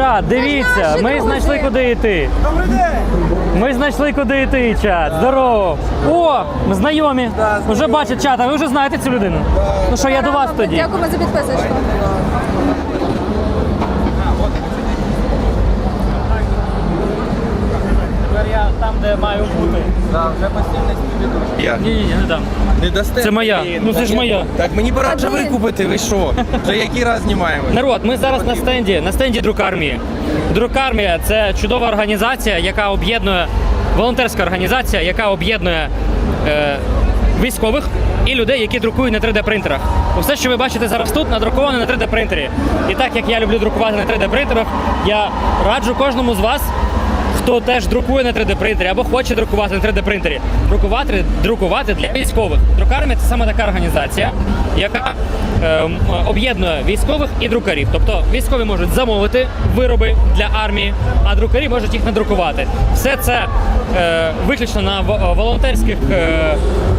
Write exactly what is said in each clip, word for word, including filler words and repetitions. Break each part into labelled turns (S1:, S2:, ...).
S1: Чат, дивіться, ми знайшли, куди йти.
S2: Добрий день!
S1: Ми знайшли, куди йти, чат. Здорово. О, ми знайомі. Вже бачать, чат, а ви вже знаєте цю людину? Ну що, я до вас тоді.
S3: Дякуємо за підписочку.
S1: Тепер я там, де маю бути.
S2: Да, вже постійно співвідомі. Я.
S1: Ні-ні, не дам.
S2: Не дасте?
S1: Це моя.
S2: Блін,
S1: Ну, це
S2: так
S1: ж
S2: я-
S1: моя.
S2: Так мені пора вже викупити, ви що? Вже який раз знімаємо?
S1: Народ, ми зараз на стенді, на стенді Друкармії. Друкармія – це чудова організація, яка об'єднує, волонтерська організація, яка об'єднує е, військових і людей, які друкують на три де принтерах. Все, що ви бачите зараз тут, надруковано на три де принтері. І так як я люблю друкувати на три де принтерах, я раджу кожному з вас, хто теж друкує на три де принтері або хоче друкувати на три де принтері, друкувати, друкувати для військових. Друкармія – це саме така організація, яка е, об'єднує військових і друкарів. Тобто військові можуть замовити вироби для армії, а друкарі можуть їх надрукувати. Все це е, виключно на волонтерських е, е,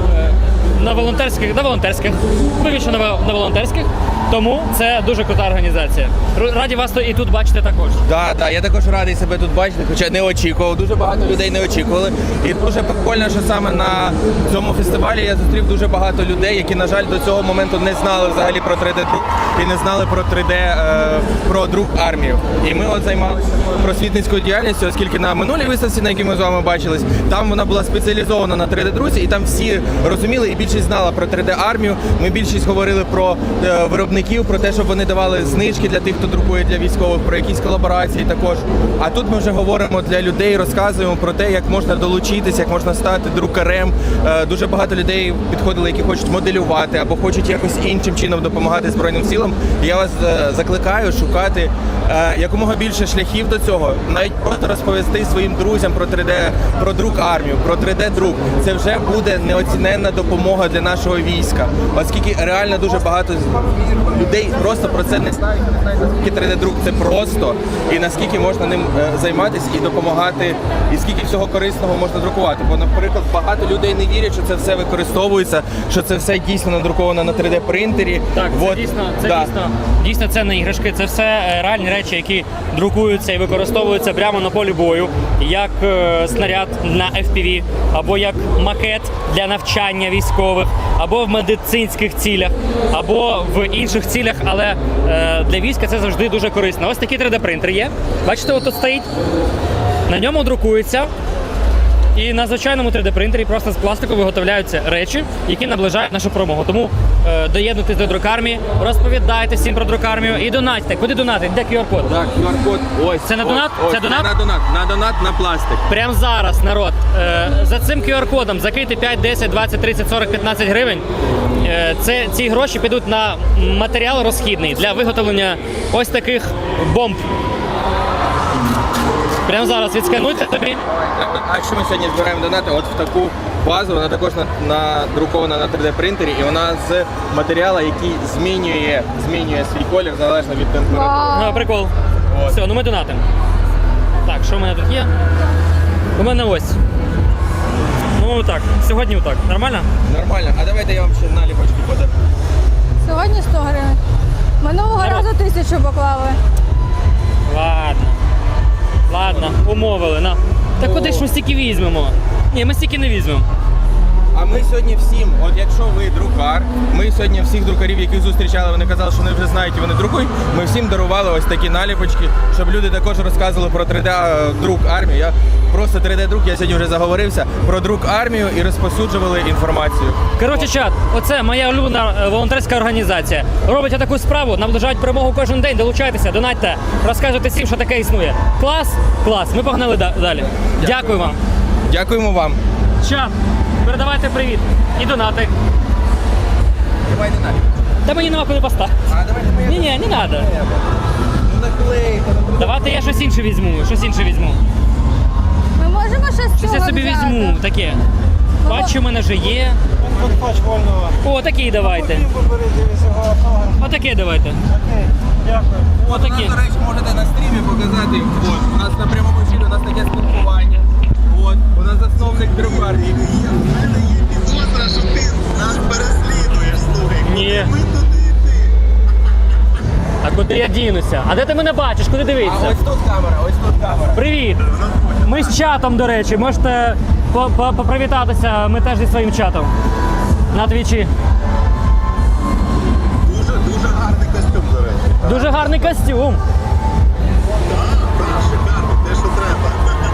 S1: на волонтерських, на волонтерських, виключно на, на волонтерських, тому це дуже крута організація. Раді вас і тут бачити також.
S2: Так, так, я також радий себе тут бачити, хоча не очікував. Дуже багато людей не очікували. І дуже прикольно, що саме на цьому фестивалі я зустрів дуже багато людей, які, на жаль, до цього моменту не знали взагалі про три де друк і не знали про три де, е, про друк армію. І ми от займалися просвітницькою діяльністю, оскільки на минулій виставці, на якій ми з вами бачились, там вона була спеціалізована на три де друзі, і там всі розуміли і більшість знала про три де армію. Ми більшість говорили про е, виробників, про те, щоб вони давали знижки для тих, хто друкує для військових, про якісь колаборації також. А тут ми вже говоримо для людей, розказуємо про те, як можна долучитися, як можна стати друкарем. Е, дуже багато людей підходили, які хочуть моделювати або хочуть якось іншим чином допомагати Збройним силам. І я вас е, закликаю шукати е, якомога більше шляхів до цього. Навіть просто розповісти своїм друзям про три де, про друк армію, про три де друк. Це вже буде неоціненна допомога для нашого війська. Оскільки реально дуже багато людей просто про це не знають, не знають, наскільки три де друк це просто, і наскільки можна ним е, займатися і допомагати, і скільки всього корисного можна друкувати. Бо, наприклад, багато людей не вірять, що це все використовується, що це все дійсно надруковано на три де принтері.
S1: Так, це
S2: вот,
S1: дійсно, це
S2: да.
S1: дійсно, дійсно це не іграшки, це все е, реальні речі, які друкуються і використовуються прямо на полі бою, як е, снаряд на еф пі ві, або як макет для навчання військових, або в медицинських цілях, або в інших цілях, але е, для війська це завжди дуже корисно. Ось такий три де принтер є. Бачите, от тут стоїть. На ньому друкується. І на звичайному три де принтері просто з пластику виготовляються речі, які наближають нашу перемогу. Тому е, доєднуйтесь до друкармії, розповідайте всім про друкармію і донатьте. Куди донатити? Де ку ар код?
S2: Так, ку ар код. Ось.
S1: Це на
S2: ось,
S1: донат?
S2: Ось,
S1: Це донат?
S2: На донат. На донат на пластик.
S1: Прямо зараз, народ. Е, за цим ку ар кодом закрийте п'ять, десять, двадцять, тридцять, сорок, п'ятнадцять гривень. Е, це, ці гроші підуть на матеріал розхідний для виготовлення ось таких бомб. Прямо зараз відскануйте тобі.
S2: А якщо ми сьогодні збираємо донати от в таку базу, вона також надрукована на три де принтері, і вона з матеріалу, який змінює, змінює свій колір залежно від температури.
S1: Ну, прикол.
S2: От.
S1: Все, ну ми донатимо. Так, що в мене тут є? У мене ось. Ну так, сьогодні отак. Нормально?
S2: Нормально. А давайте я вам ще наліпочки подарую.
S3: Сьогодні сто гривень. Минулого
S1: Народ.
S3: разу тисячу поклали.
S1: Ладно. Ладно, умовили. На. Та куди ж ми стільки візьмемо? Ні, ми стільки не візьмемо.
S2: А ми сьогодні всім, от якщо ви друкар, ми сьогодні всіх друкарів, яких зустрічали, вони казали, що вони вже знають і вони друкують, ми всім дарували ось такі наліпочки, щоб люди також розказували про три де друк армію. Я просто три де друк, я сьогодні вже заговорився, про друк армію і розповсюджували інформацію.
S1: Коротше, чат, оце моя улюблена е, волонтерська організація. Робить таку справу, наближають перемогу кожен день, долучайтеся, донатьте, розказуйте всім, що таке існує. Клас? Клас. Ми погнали да- далі. Дякую. Дякую вам.
S2: Дякуємо вам.
S1: Чат, передавайте привіт. І донати.
S2: Давайте наліпочки.
S1: Та мені нема куди поставити.
S2: А давайте ми...
S1: Ні, ні, не треба.
S2: Ну наклейте.
S1: Давайте я щось інше візьму, щось інше візьму.
S3: Ми можемо щось з
S1: Щось
S3: цього
S1: я собі
S3: взяти?
S1: візьму, таке. Бачу, у мене вже є.
S4: Подпач вольного.
S1: О, такий давайте.
S4: Вибери дивися автограф.
S1: Отаке давайте.
S4: Окей, дякую.
S2: От у нас,
S1: Отакі.
S2: до речі, можете на стрімі показати. От, у нас на прямому ефірі, у нас таке спілкування. От, у нас засновник друкарні.
S5: У мене є підозра, що ти нас переслідуєш, слухай.
S1: Ні.
S5: Ми туди йти.
S1: А Куди я дінуся? А де ти мене бачиш? Куди
S2: А
S1: дивитися?
S2: ось тут камера, ось тут камера.
S1: Привіт! Ми з чатом, до речі, можете по- по- попривітатися, ми теж зі своїм чатом. На твічі.
S5: Дуже, дуже гарний костюм, до речі.
S1: Дуже гарний костюм.
S5: Так, так, шикарно, те, що треба.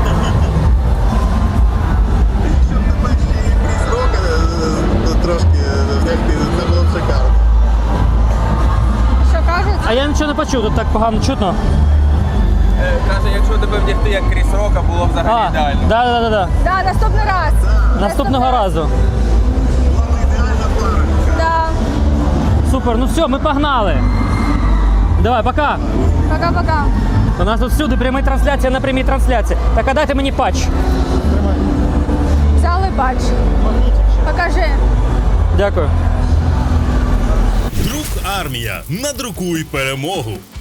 S5: Якщо б тебе ще і Кріс Рока е, трошки вдягти, це було б шикарно.
S3: Що кажуть?
S1: А я нічого не почув, тут так погано чутно.
S2: Е, Каже, якщо тебе вдягти як Кріс Рока, було б взагалі
S1: А,
S2: ідеально.
S1: да, да, да, да.
S3: Да, наступний раз.
S1: Наступного разу.
S5: Була б ідеальна пара.
S3: Да.
S1: Супер, ну все, ми погнали. Давай, пока.
S3: Пока-пока.
S1: У нас тут всюди пряма трансляція на прямій трансляції. Так, а дайте мені патч.
S3: Взяли бач. Покажи.
S1: Дякую.
S6: Друк армія. Надрукуй перемогу.